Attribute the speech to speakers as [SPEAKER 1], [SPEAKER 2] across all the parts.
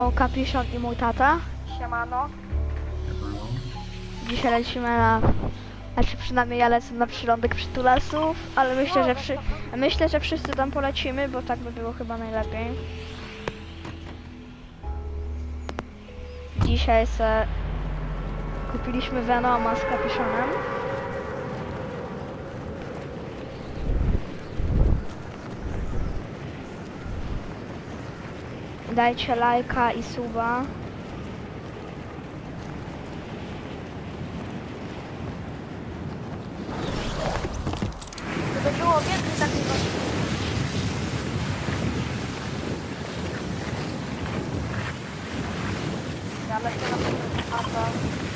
[SPEAKER 1] O, Kapiszon i mój tata.
[SPEAKER 2] Siemano.
[SPEAKER 1] Dzisiaj lecimy na... Znaczy przynajmniej ja lecę na przylądek przytulasów, ale myślę, że wszyscy tam polecimy, bo tak by było chyba najlepiej. Dzisiaj kupiliśmy Venoma z Kapiszonem. Dajcie lajka i suba.
[SPEAKER 2] Gdyby było więcej takich gości. Ja lecę na pewno apel.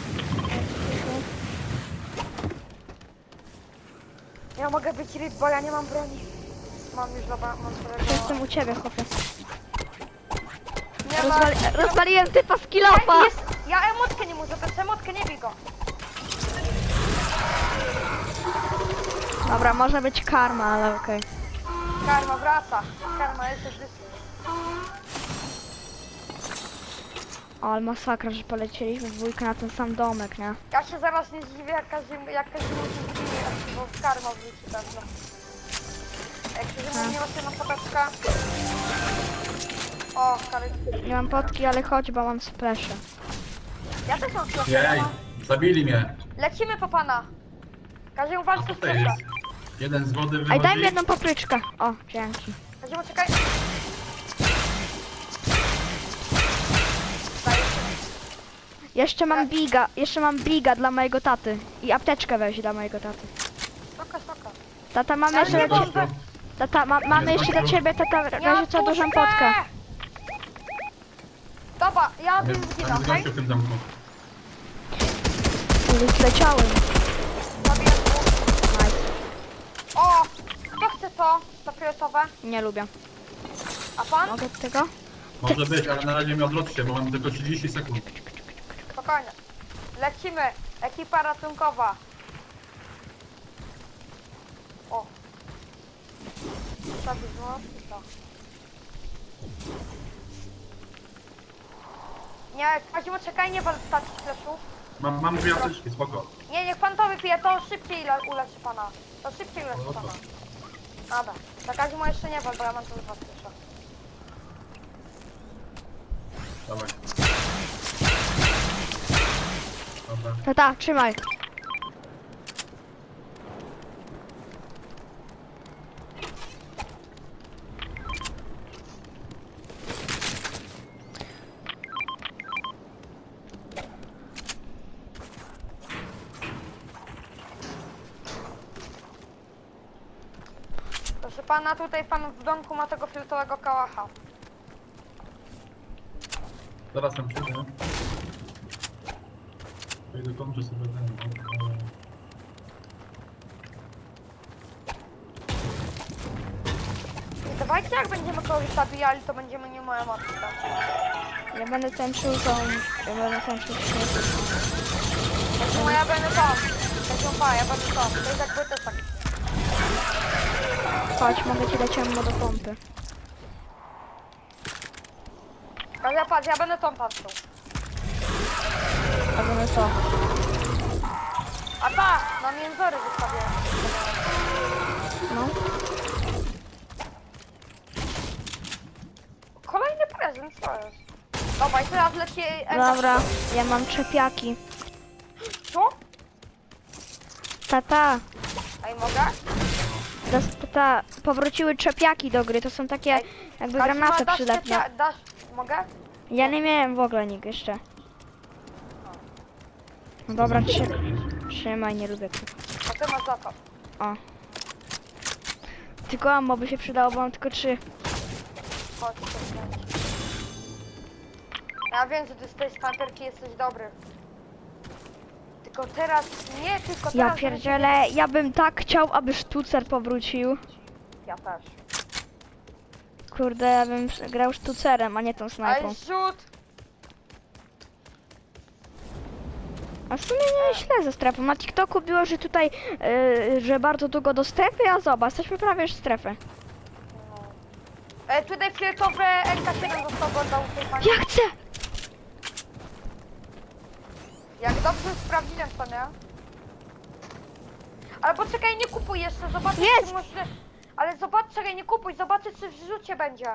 [SPEAKER 2] Ja mogę być ryb, bo ja nie mam broni. Mam już dobra, mam broni.
[SPEAKER 1] Jestem u ciebie, chłopie.
[SPEAKER 2] Nie ma...
[SPEAKER 1] Rozwaliłem typa z kilofa!
[SPEAKER 2] Ja emotkę nie mu zabrać, emotkę nie bij go.
[SPEAKER 1] Dobra, może być karma, ale okej.
[SPEAKER 2] Karma wraca. Karma jest już
[SPEAKER 1] O, ale masakra, że polecieliśmy w dwójkę na ten sam domek, nie?
[SPEAKER 2] Ja się zaraz nie zdziwię, jak każdy musi zdziwić, bo karma wróci pewno. Jak się nie ma na podeczkę. O, kary.
[SPEAKER 1] Nie mam potki, ale chodź, bo mam splesze.
[SPEAKER 2] Ja też mam
[SPEAKER 3] Jej,
[SPEAKER 2] splasha.
[SPEAKER 3] zabili mnie.
[SPEAKER 2] Lecimy po pana. Kaziu,
[SPEAKER 3] A
[SPEAKER 2] walcz z
[SPEAKER 3] tutaj
[SPEAKER 2] splasha.
[SPEAKER 3] jest. Jeden z wody
[SPEAKER 1] Ej,
[SPEAKER 3] wychodzi.
[SPEAKER 1] daj mi jedną papryczkę. O, dzięki.
[SPEAKER 2] Kaziu, czekaj. Daj,
[SPEAKER 1] Jeszcze mam biga dla mojego taty. I apteczkę weź dla mojego taty.
[SPEAKER 2] spoko.
[SPEAKER 1] Tata, mamy
[SPEAKER 2] Ale
[SPEAKER 1] jeszcze
[SPEAKER 2] nie
[SPEAKER 1] dla
[SPEAKER 2] mam-
[SPEAKER 1] ciebie... Tata, mamy jeszcze dla ciebie, tata,
[SPEAKER 2] Ja
[SPEAKER 1] razie co dużą
[SPEAKER 2] puszczę!
[SPEAKER 1] potkę.
[SPEAKER 2] Dobra, ja
[SPEAKER 3] Tam
[SPEAKER 2] bym
[SPEAKER 3] jest
[SPEAKER 2] zginął, okej?
[SPEAKER 3] gościu w tym zamku.
[SPEAKER 1] Zleciałem.
[SPEAKER 2] Zabiję tu.
[SPEAKER 1] Nice.
[SPEAKER 2] O! Kto chce to? To fioletowe?
[SPEAKER 1] Nie lubię.
[SPEAKER 2] A pan?
[SPEAKER 1] Mogę od tego?
[SPEAKER 3] Może być, ale na razie mnie odwróćcie, bo mam tylko 30 sekund.
[SPEAKER 2] Spokojnie. Lecimy. Ekipa ratunkowa. O. Zabić to. Nie, Kaziu, czekaj, nie wal takich fleszów.
[SPEAKER 3] Mam dwie apteczki, spoko.
[SPEAKER 2] Nie, niech pan to wypije, to szybciej uleczy pana. To szybciej uleczy
[SPEAKER 3] No to.
[SPEAKER 2] pana. Dobra. Na Kaziu jeszcze nie wal, bo ja mam tu dwa flesze.
[SPEAKER 3] Dawaj. Dobra.
[SPEAKER 1] Tata, trzymaj.
[SPEAKER 2] Proszę pana, tutaj pan w domku ma tego filtrowego kałacha.
[SPEAKER 3] Zaraz tam przyjdę. Wejdę kończę sobie ten.
[SPEAKER 2] Dawajcie, jak będziemy kogoś zabijali, to będziemy nie moja matka.
[SPEAKER 1] Ja będę tańczył tą... Ja będę tańczył śmieci.
[SPEAKER 2] No ja będę tam. Ja będę tam. To jest jakby też tak.
[SPEAKER 1] Chodź, mogę ci dać ammo do pompy.
[SPEAKER 2] Kazia, patrz, ja będę tam patrzył.
[SPEAKER 1] A będę co?
[SPEAKER 2] A tak, na międzory wystawię.
[SPEAKER 1] No.
[SPEAKER 2] Kolejny prezent, co jest? Dobra, i teraz leci...
[SPEAKER 1] Dobra, ja mam czepiaki.
[SPEAKER 2] Co?
[SPEAKER 1] Tata,
[SPEAKER 2] Ej, mogę?
[SPEAKER 1] tata, powróciły czepiaki do gry, to są takie jakby granaty
[SPEAKER 2] dasz
[SPEAKER 1] przylepne.
[SPEAKER 2] dasz, mogę?
[SPEAKER 1] Ja nie miałem w ogóle nikt jeszcze. No dobra, trzymaj, nie lubię tego.
[SPEAKER 2] A ty masz za to.
[SPEAKER 1] O. Tylko ammo by się przydało, bo mam tylko 3.
[SPEAKER 2] Chodź, ja wiem, że ty z tej snajperki jesteś dobry. Tylko teraz, nie tylko teraz...
[SPEAKER 1] Ja pierdzielę, ja bym tak chciał, aby sztucer powrócił.
[SPEAKER 2] Ja też.
[SPEAKER 1] Kurde, ja bym grał sztucerem, a nie tą snajpą.
[SPEAKER 2] Ej, rzut!
[SPEAKER 1] A w sumie nie źle ze strefą. Na TikToku było, że tutaj, że bardzo długo do strefy, a zobacz, jesteśmy prawie już w strefie.
[SPEAKER 2] No. Tutaj fioletowe MK7 został oddał tej pani.
[SPEAKER 1] Ja chcę!
[SPEAKER 2] Jak dobrze sprawdziłem to, nie? Ale poczekaj, nie kupuj jeszcze, zobaczę
[SPEAKER 1] Jest!
[SPEAKER 2] czy może... Ale zobacz, czekaj, nie kupuj, zobaczę czy w rzucie będzie.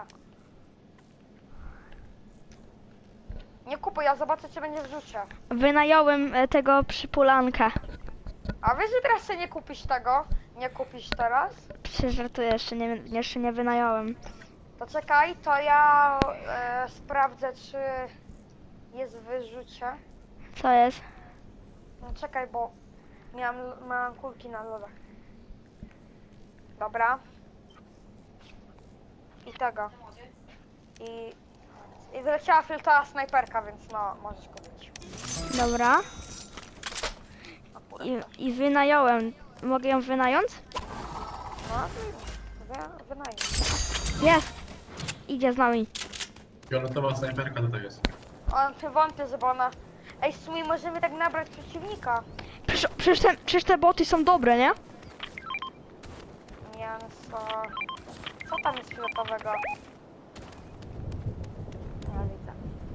[SPEAKER 2] Nie kupuj, ja zobaczę czy będzie w rzucie.
[SPEAKER 1] Wynająłem tego przypulanka.
[SPEAKER 2] A wiesz, że teraz się nie kupisz tego? Nie kupisz teraz?
[SPEAKER 1] Przecież żartuję, jeszcze nie wynająłem.
[SPEAKER 2] To czekaj, to ja sprawdzę czy jest w wyrzucie.
[SPEAKER 1] Co jest?
[SPEAKER 2] No czekaj, bo miałam kulki na lodach. Dobra. I tego. I wyleciała filtra snajperka, więc no, możesz kupić.
[SPEAKER 1] Dobra.
[SPEAKER 2] Akurat.
[SPEAKER 1] I wynająłem. Mogę ją wynająć?
[SPEAKER 2] No, wynajmij.
[SPEAKER 1] Jest! Idzie z nami.
[SPEAKER 3] Fioletowa snajperka tutaj jest.
[SPEAKER 2] On się wątpię, żeby ona... Ej, w sumie możemy tak nabrać przeciwnika.
[SPEAKER 1] Przecież te boty są dobre, nie?
[SPEAKER 2] Nie, no co... Co tam jest fioletowego? Nie widzę.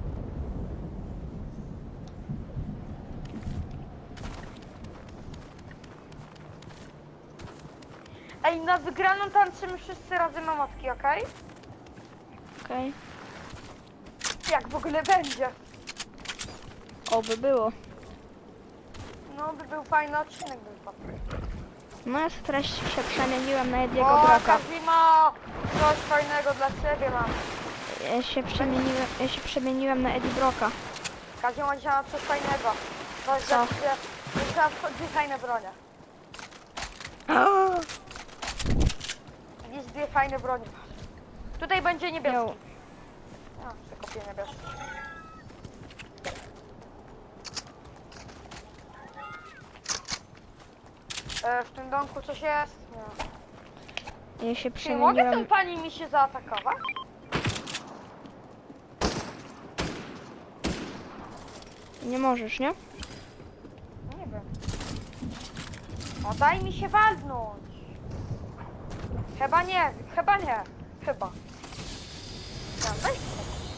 [SPEAKER 2] Ej, na wygraną tańczymy wszyscy razem mamotki, okej?
[SPEAKER 1] Okej.
[SPEAKER 2] Jak w ogóle będzie?
[SPEAKER 1] Oby było.
[SPEAKER 2] No, by był fajny odcinek, by był.
[SPEAKER 1] No ja teraz się przemieniłem na Ediego
[SPEAKER 2] O,
[SPEAKER 1] Broka.
[SPEAKER 2] Kazimo! Coś fajnego dla ciebie mam.
[SPEAKER 1] Ja się przemieniłem na Eddie Broka.
[SPEAKER 2] Kazimo dzisiaj mam coś fajnego. Coś
[SPEAKER 1] Co?
[SPEAKER 2] dla ciebie. Teraz dwie fajne bronie. Widzisz, dwie fajne bronie. Tutaj będzie niebieski.
[SPEAKER 1] Jo.
[SPEAKER 2] A, przekopię niebieski. W tym domku coś jest? Nie.
[SPEAKER 1] Ja się
[SPEAKER 2] Czy mogę tą
[SPEAKER 1] przemieniłem.
[SPEAKER 2] pani mi się zaatakować?
[SPEAKER 1] Nie możesz, nie?
[SPEAKER 2] Nie wiem. O, daj mi się walnąć. Chyba nie, chyba nie. Chyba. No, daj się.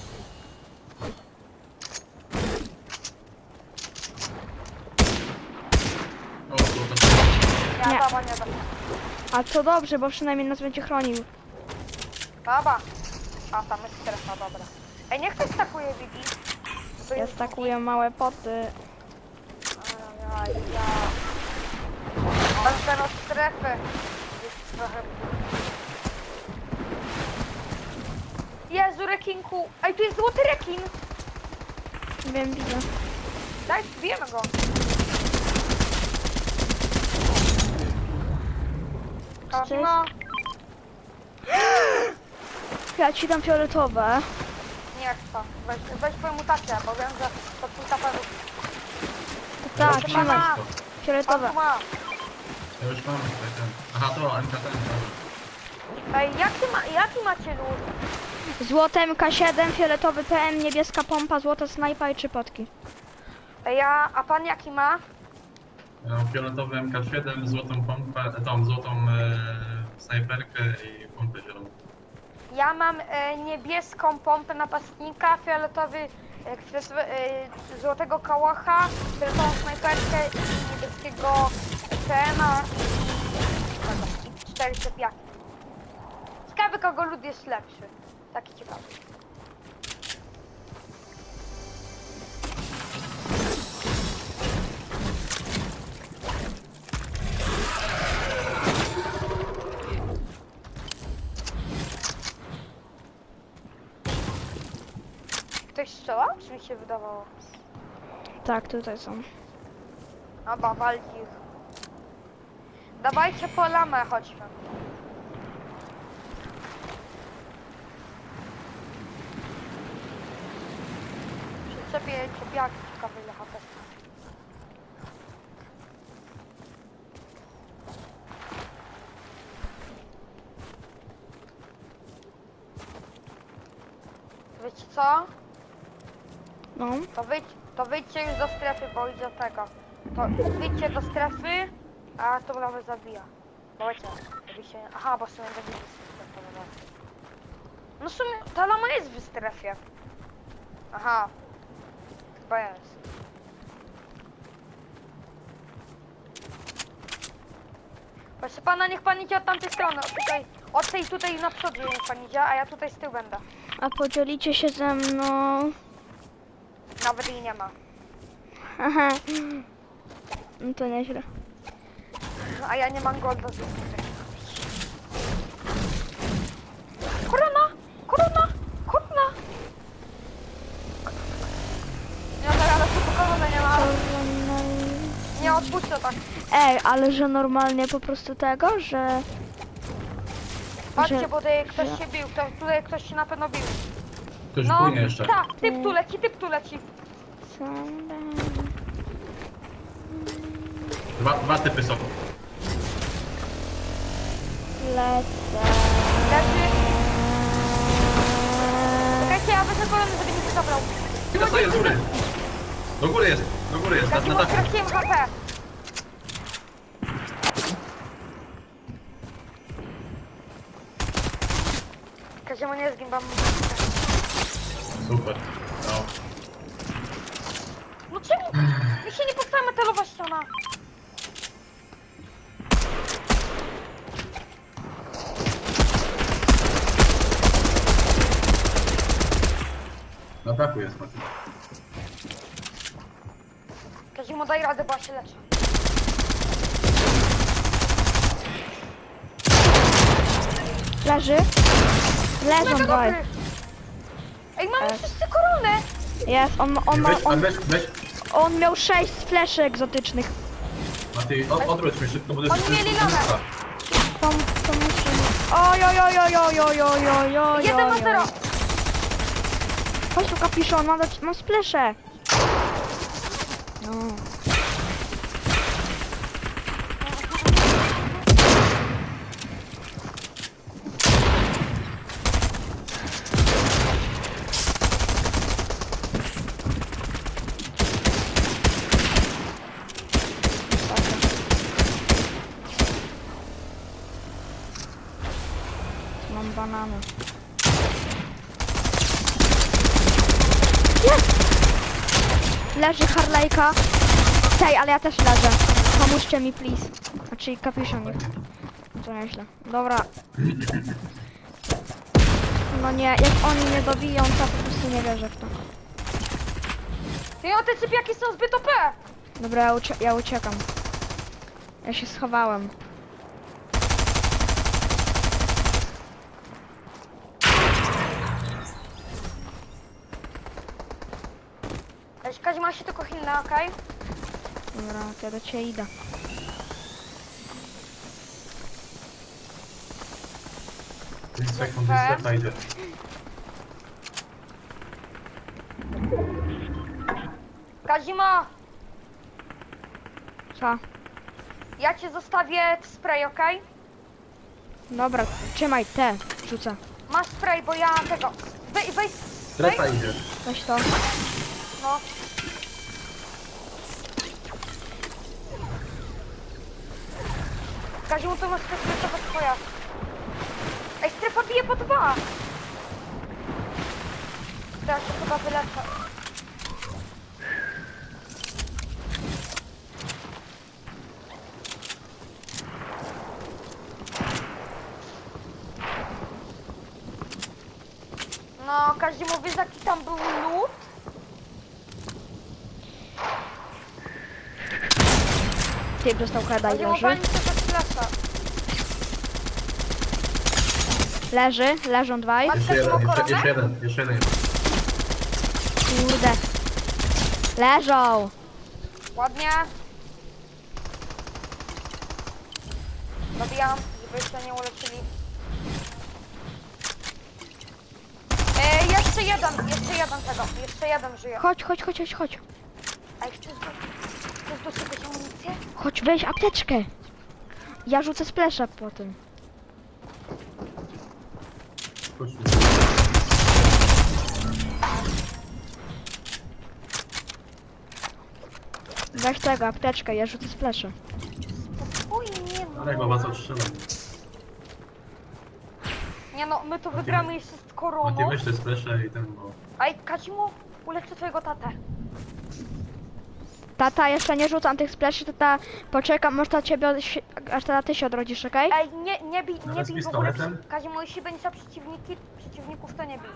[SPEAKER 3] O, to
[SPEAKER 2] Nie,
[SPEAKER 1] Nie.
[SPEAKER 2] dobra, nie da.
[SPEAKER 1] A to dobrze, bo przynajmniej nas będzie chronił.
[SPEAKER 2] Dobra. A, tam jest strefa, dobra. Ej, niech ktoś stakuje, Vivi. Bo
[SPEAKER 1] Ja
[SPEAKER 2] jest-
[SPEAKER 1] stakuję małe poty.
[SPEAKER 2] Ajajaj. Będę od strefy. Jest trochę... Jezu, rekinku. Ej, tu jest złoty rekin.
[SPEAKER 1] Wiem, widzę.
[SPEAKER 2] Daj, zbijemy go. Kazimo.
[SPEAKER 1] Ja ci dam fioletowe.
[SPEAKER 2] Nie chcę. Weź twoją mutację, bo wiem, że to twój taperów.
[SPEAKER 1] Tak,
[SPEAKER 3] Proszę
[SPEAKER 1] trzymaj.
[SPEAKER 3] pana.
[SPEAKER 2] Pan
[SPEAKER 1] Fioletowe.
[SPEAKER 2] tu ma.
[SPEAKER 3] Ja już mam tutaj ten. Aha, to MK10, dobra.
[SPEAKER 2] Ej, jaki macie lód?
[SPEAKER 1] Złote MK7, fioletowy PM, niebieska pompa, złota snajpa i 3 potki.
[SPEAKER 2] Ej, a pan jaki ma?
[SPEAKER 3] Ja mam fioletowy MK7, złotą pompę, tą złotą snajperkę i pompę zieloną.
[SPEAKER 2] Ja mam niebieską pompę napastnika, fioletowy, złotego kałacha, fioletową snajperkę i niebieskiego PM-a i 4 cepiaki. Ciekawy, kogo lud jest lepszy. Taki ciekawy. Ktoś strzela? Czy mi się wydawało?
[SPEAKER 1] Tak, tutaj są.
[SPEAKER 2] Dobra, walki ich. Dawajcie po lamę, chodźmy. Przyczepię czepiaki, ciekawe ile HP. Wiecie co?
[SPEAKER 1] No.
[SPEAKER 2] To wyjdźcie już do strefy, bo idzie tego. To wyjdźcie do strefy, a to lawę zabija. Bo wiecie, żeby się... Aha, bo sobie będzie No w sumie ta lama jest w strefie. Aha. Chyba jest. Proszę pana, niech pan idzie od tamtej strony. Od tej tutaj na przodu niech pan idzie, a ja tutaj z tyłu będę.
[SPEAKER 1] A podzielicie się ze mną?
[SPEAKER 2] Nawet jej nie ma.
[SPEAKER 1] Aha. No to nieźle.
[SPEAKER 2] No, a ja nie mam golda z Korona! Korona! Korona! Nie, zaraz tu korony nie ma. Nie odpuszczę tak.
[SPEAKER 1] Ej, ale że normalnie po prostu tego, że...
[SPEAKER 2] Patrzcie,
[SPEAKER 1] że-
[SPEAKER 2] bo tutaj ktoś się bił. Tutaj ktoś się na pewno bił.
[SPEAKER 3] Ktoś
[SPEAKER 2] No,
[SPEAKER 3] płynie jeszcze.
[SPEAKER 2] tak, typ tu leci.
[SPEAKER 3] Dwa typy są.
[SPEAKER 1] Lecę.
[SPEAKER 2] Leży. Czekajcie, ja wezmę kolony, żeby nie się zabrał.
[SPEAKER 3] I dostaję z góry. Do góry jest, na
[SPEAKER 2] Kazimu,
[SPEAKER 3] dachu.
[SPEAKER 2] straciłem HP. Kazimu, nie zgin, mam...
[SPEAKER 3] Super. No.
[SPEAKER 2] No czemu? Mi się nie powstała metalowa ściana.
[SPEAKER 3] Na dachu jest Mati.
[SPEAKER 2] Kazimu, daj radę, bo ja się leczę.
[SPEAKER 1] Leży. Leżą
[SPEAKER 2] Mega
[SPEAKER 1] dwaj.
[SPEAKER 2] dobry. Ej, mamy wszyscy koronę.
[SPEAKER 1] Jest, on miał 6 fleszy egzotycznych.
[SPEAKER 3] Mati, odwróć mnie szybko, bo to jest...
[SPEAKER 2] Oni mieli lamę.
[SPEAKER 1] To musimy... Oj, oj, oj, oj, oj, oj, oj, oj, oj,
[SPEAKER 2] 1-0.
[SPEAKER 1] Chodź tu kapiszon, mam splesze. No. Mam banany. Jest! Leży Harlejka. Tej, ale ja też leżę. Pomóżcie mi, please. Znaczy kapiszonik. To nieźle. Dobra. No nie, jak oni nie dobiją, to po prostu nie wierzę w to.
[SPEAKER 2] No, te sypiaki są zbyt OP.
[SPEAKER 1] Dobra, ja uciekam. Ja się schowałem.
[SPEAKER 2] Kazimu, ma się tylko hilna, okej?
[SPEAKER 1] Dobra, to ja do ciebie idę.
[SPEAKER 3] Sekund, strefa idzie.
[SPEAKER 2] Kazima,
[SPEAKER 1] Co?
[SPEAKER 2] ja cię zostawię w spray, okej?
[SPEAKER 1] Dobra, trzymaj, te rzucę.
[SPEAKER 2] Masz spray, bo ja tego... Weź...
[SPEAKER 3] Strefa idzie.
[SPEAKER 1] Weź to.
[SPEAKER 2] No. Kazimu, to masz strefa twoja. Ej, strefa bije po 2. Teraz się chyba wyleczę. No, Kazimu, wiesz jaki tam był lód?
[SPEAKER 1] Typ dostał heada i
[SPEAKER 2] Kazimu,
[SPEAKER 1] leży.
[SPEAKER 2] pani tego flasza.
[SPEAKER 1] Leżą dwaj.
[SPEAKER 3] Jeszcze jeden.
[SPEAKER 1] Kurde. Leżą.
[SPEAKER 2] Ładnie. Dobijam, żeby się nie uleczyli. Jeszcze jeden tego. Jeszcze jeden żyje.
[SPEAKER 1] Chodź.
[SPEAKER 2] A jeszcze chcesz do czegoś amunicję?
[SPEAKER 1] Chodź, weź apteczkę. Ja rzucę splasha po tym.
[SPEAKER 3] Chodź.
[SPEAKER 1] Weź tego, apteczkę, ja rzucę splasha.
[SPEAKER 2] Spokojnie, no.
[SPEAKER 3] Ale go was odstrzelam.
[SPEAKER 2] Nie no, my to wygramy jeszcze z
[SPEAKER 3] Mati,
[SPEAKER 2] koroną.
[SPEAKER 3] weź te splesze i ten, bo...
[SPEAKER 2] Ej, Kazimo, uleczę twojego tatę.
[SPEAKER 1] Tata, jeszcze nie rzucam tych spleszy, tata, poczekam, może ta ciebie, aż tata ty się odrodzisz, okej?
[SPEAKER 2] Ej, nie bij
[SPEAKER 3] Nawet z
[SPEAKER 2] w ogóle.
[SPEAKER 3] pistoletem?
[SPEAKER 2] Kazimo, jeśli będzie za przeciwników, to nie bij.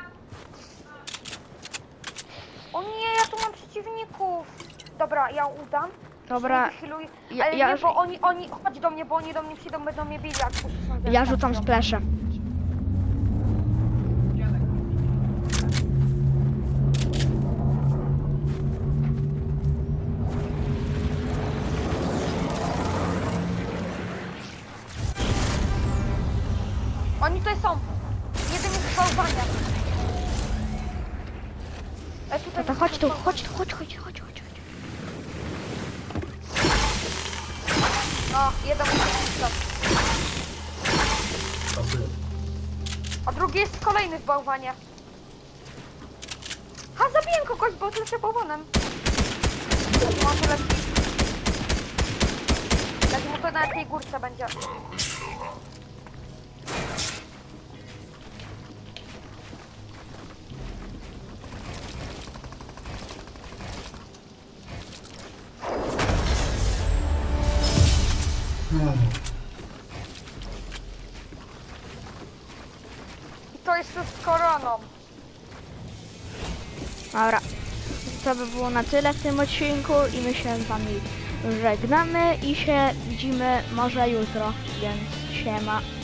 [SPEAKER 2] O nie, ja tu mam przeciwników. Dobra, ja udam.
[SPEAKER 1] Dobra,
[SPEAKER 2] Wychyluj.
[SPEAKER 1] ja-
[SPEAKER 2] Ale
[SPEAKER 1] ja-
[SPEAKER 2] nie, bo oni, chodź do mnie, bo oni do mnie przyjdą, będą mnie bili, jak usłyszą, że
[SPEAKER 1] ja
[SPEAKER 2] tam
[SPEAKER 1] rzucam
[SPEAKER 2] są.
[SPEAKER 1] splesze.
[SPEAKER 2] Oni tutaj są. Jeden jest bałwania. Tutaj
[SPEAKER 1] Tata, chodź tu, chodź tu, chodź.
[SPEAKER 2] No, jeden jest tam.
[SPEAKER 3] Pasuje.
[SPEAKER 2] A drugi jest kolejny w bałwanie. Ha, zabiję kogoś, bo lecę bałwanem. Mam tu lepiej. Mu to na tej górce będzie. I to jeszcze z koroną.
[SPEAKER 1] Dobra, to by było na tyle w tym odcinku i my się z wami żegnamy i się widzimy może jutro, więc siema.